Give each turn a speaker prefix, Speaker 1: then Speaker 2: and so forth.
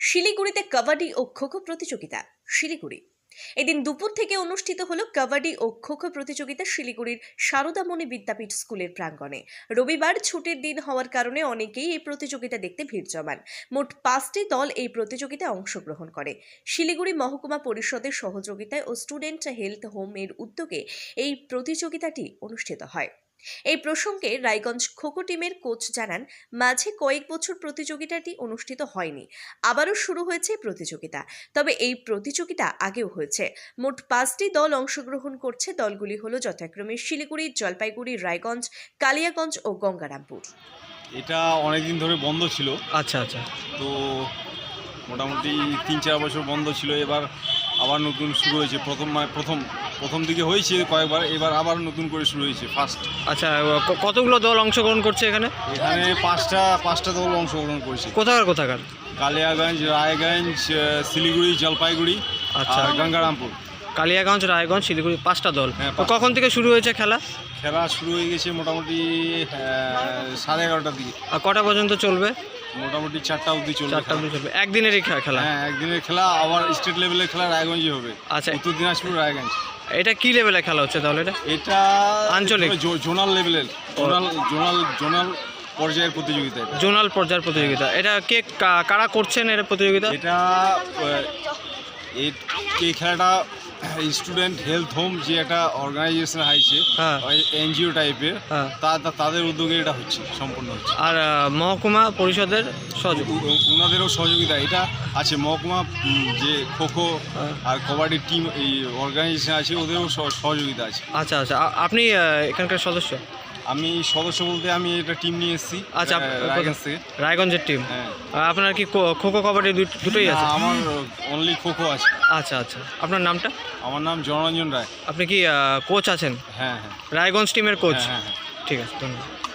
Speaker 1: শিলিগুড়িতে কাবাডি ও খোখো প্রতিযোগিতা। শিলিগুড়ি এদিন দুপুর থেকে অনুষ্ঠিত হলো কাবাডি ও খোখো প্রতিযোগিতা শিলিগুড়ির সারদামণি বিদ্যাপীঠ স্কুলের প্রাঙ্গণে। রবিবার ছুটির দিন হওয়ার কারণে অনেকেই এই প্রতিযোগিতা দেখতে ভিড় জমান। মোট 5টি দল এই প্রতিযোগিতায় অংশগ্রহণ করে। শিলিগুড়ি মহকুমা পরিষদের সহযোগিতায় ও স্টুডেন্ট হেলথ হোম এর উদ্যোগে এই প্রতিযোগিতাটি অনুষ্ঠিত হয়। এই প্রসঙ্গে রায়গঞ্জ খোখো টিমের কোচ জানান, মাঝে কয়েক বছর প্রতিযোগিতাটি অনুষ্ঠিত হয়নি, আবারও শুরু হয়েছে প্রতিযোগিতা। তবে এই প্রতিযোগিতা আগেও হয়েছে। মোট 5টি দল অংশগ্রহণ করছে। দলগুলি হলো যথাক্রমে শিলিগুড়ি, জলপাইগুড়ি, রায়গঞ্জ, কালিয়াগঞ্জ ও গঙ্গারামপুর।
Speaker 2: এটা অনেকদিন ধরে বন্ধ ছিল।
Speaker 3: আচ্ছা আচ্ছা।
Speaker 2: তো মোটামুটি 3-4 বছর বন্ধ ছিল, এবার আবার নতুন শুরু হয়েছে। প্রথম দিকে হয়েছে কয়েকবার, এবার আবার নতুন করে শুরু হয়েছে ফার্স্ট।
Speaker 3: আচ্ছা, কতগুলো দল অংশগ্রহণ করছে এখানে?
Speaker 2: এখানে পাঁচটা দল অংশগ্রহণ করেছে।
Speaker 3: কোথাকার?
Speaker 2: কালিয়াগঞ্জ, রায়গঞ্জ, শিলিগুড়ি, জলপাইগুড়ি,
Speaker 3: আচ্ছা,
Speaker 2: আর গঙ্গারামপুর।
Speaker 3: কালিয়াগঞ্জ, রায়গঞ্জ, শিলিগুড়ি, 5টা দল।
Speaker 2: হ্যাঁ,
Speaker 3: তো কখন থেকে শুরু হয়েছে খেলা?
Speaker 2: খেলা শুরু হয়ে গেছে মোটামুটি 11:30টার দিকে।
Speaker 3: আর কটা পর্যন্ত চলবে?
Speaker 2: মোটামুটি 4টা অবধি চলবে।
Speaker 3: 4টা অবধি চলবে। একদিনেরই খেলা?
Speaker 2: হ্যাঁ, একদিনের খেলা। আবার স্টেট লেভেলের খেলা রায়গঞ্জে হবে।
Speaker 3: আচ্ছা,
Speaker 2: উত্তর দিনাজপুর, রায়গঞ্জ।
Speaker 3: এটা কি লেভেলে খেলা হচ্ছে তাহলে?
Speaker 2: এটা
Speaker 3: আঞ্চলিক,
Speaker 2: জোনাল লেভেলের, জোনাল পর্যায়ের প্রতিযোগিতা।
Speaker 3: জোনাল পর্যায়ের প্রতিযোগিতা। এটা কারা করছেন এর প্রতিযোগিতা?
Speaker 2: এই খেলাটা স্টুডেন্ট হেলথ হোম যে একটা অর্গানাইজেশন আছে, এনজিও টাইপের, তাদের উদ্যোগে এটা হচ্ছে, সম্পূর্ণ হচ্ছে।
Speaker 3: আর মহকুমা পরিষদের
Speaker 2: ওনাদেরও সহযোগিতা এটা আছে। মহকুমা যে খোখো আর কবাডি টিম এই অর্গানাইজেশন আছে, ওদেরও সহযোগিতা আছে।
Speaker 3: আচ্ছা আচ্ছা। আপনি এখানকার সদস্য?
Speaker 2: আমি সদস্য বলতে আমি এটা টিম নিয়ে এসেছি।
Speaker 3: আচ্ছা,
Speaker 2: রায়গঞ্জ থেকে।
Speaker 3: রায়গঞ্জের টিম।
Speaker 2: হ্যাঁ।
Speaker 3: আপনার কি খোখো কবাডি দুটোই আছে?
Speaker 2: আমার অনলি খোখো আছে।
Speaker 3: আচ্ছা আচ্ছা। আপনার নামটা?
Speaker 2: আমার নাম জনরঞ্জন রায়।
Speaker 3: আপনি কি কোচ আছেন?
Speaker 2: হ্যাঁ হ্যাঁ।
Speaker 3: রায়গঞ্জ টিমের কোচ?
Speaker 2: হ্যাঁ হ্যাঁ।
Speaker 3: ঠিক আছে, ধন্যবাদ।